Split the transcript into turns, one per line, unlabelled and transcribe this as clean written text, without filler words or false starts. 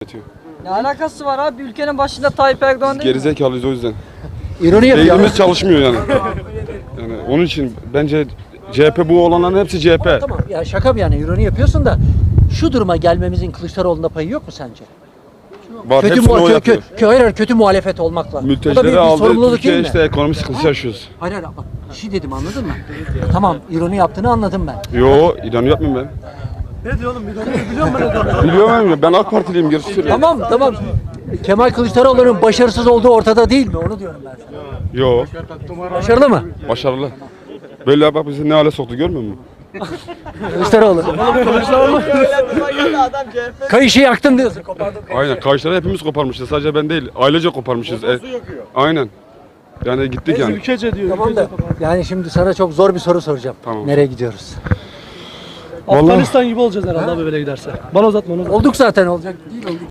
Ne alakası var abi? Ülkenin başında Tayyip Erdoğan değil mi?
Gerizekalıyız o yüzden.
İroni yapıyor.
Beynimiz çalışmıyor yani. Yani onun için bence CHP, bu olanların hepsi CHP.
Tamam ya, şaka bir yana ironi yapıyorsun da şu duruma gelmemizin Kılıçdaroğlu'nda payı yok mu sence?
Var, hepsini o yapıyor.
Hayır, kötü muhalefet olmakla. Bu da
Mültecileri
bir
aldı,
sorumluluk
Türkiye
değil mi?
işte ekonomi sıkıntısı yaşıyoruz.
Hayır bak, bir şey dedim, anladın mı? Tamam, ironi yaptığını anladım ben.
Yo, İran'ı yapmayayım ben.
Ne diyor oğlum? Biliyor musun ne diyor?
Biliyorum ya, ben AK Partiliyim, gerisi söylüyorum.
Tamam. Kemal Kılıçdaroğlu'nun başarısız olduğu ortada değil mi? Onu diyorum ben sana.
Yo,
Başarılı mı?
başarılı. Böyle bak bizi ne hale soktu, görmüyor musun?
Kılıçdaroğlu. Kayışı yaktın diyorsun.
Aynen, karşıları hepimiz koparmışız, sadece ben değil. Ailece koparmışız. Aynen. Yani gittik yani.
Ülkece diyor.
Tamam da yani şimdi sana çok zor bir soru soracağım.
Tamam.
Nereye gidiyoruz?
Afganistan gibi olacağız herhalde abi böyle giderse. Bana uzatma onu.
Olduk zaten, olacak değil olduk.